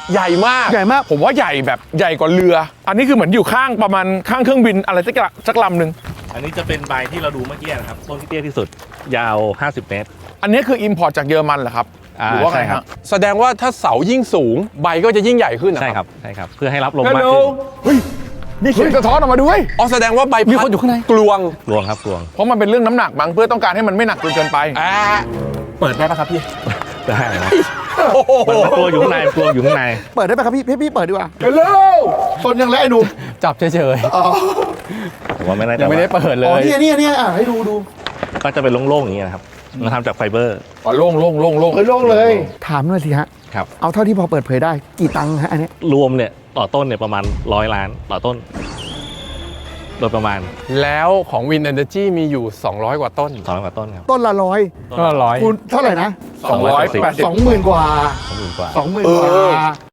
ใหญ่มากใหญ่มากผมว่าใหญ่แบบใหญ่กว่าเรือ อันนี้คือเหมือนอยู่ข้างประมาณข้างเครื่องบินอะไรสักลำหนึ่งอันนี้จะเป็นใบที่เราดูเมื่อกี้นะครับต้นที่เตี้ยที่สุดยาว 50 เมตรอันนี้คืออิมพอร์ตจากเยอรมันเหรอครับหรือว่าไงใช่ครับแสดงว่าถ้าเสายิ่งสูงใบก็จะยิ่งใหญ่ขึ้นนะใช่ครับใช่ครับเพื่อให้รับลมฮัลมากโหลขึ้นเฮ้ยนี่เสียงสะท้อนออกมาด้วยอ๋อแสดงว่าใบมีคนอยู่ข้างในกลวงกลวงครับกลวงเพราะมันเป็นเรื่องน้ำหนักมั้งเพื่อต้องการให้มันไม่หนักจนเกินไปเปิดได้ปะครับพี่ได้นะโอ้โหมันกลัวอยู่ข้างในกลัวอยู่ข้างในเปิดได้ไหมครับพี่เปิดดีกว่าฮัลโหลต้นยังแล้วไอ้หนุ่มจับเฉยผมว่าไม่น่าๆจะยังไม่ได้เปิดเลอ๋อย เนี่ยให้ดูก็จะเป็นโล่งๆอย่างนี้นะครับเราทำจากไฟเบอร์อ๋อโล่งโล่งเลย ถามหน่อยสิฮะครับเอาเท่าที่พอเปิดเผยได้กี่ตังค์ฮะอันเนี้ยรวมเนี่ยต่อต้นเนี่ยประมาณ100 ล้านต่อต้น โดยประมาณแล้วของ Wind Energy มีอยู่ 200 กว่าต้น 200 กว่าต้นครับต้นละร้อยก็ร้อยคูณเท่าไหร่นะ 280 20,000 กว่า 20,000 กว่า 20,000 กว่า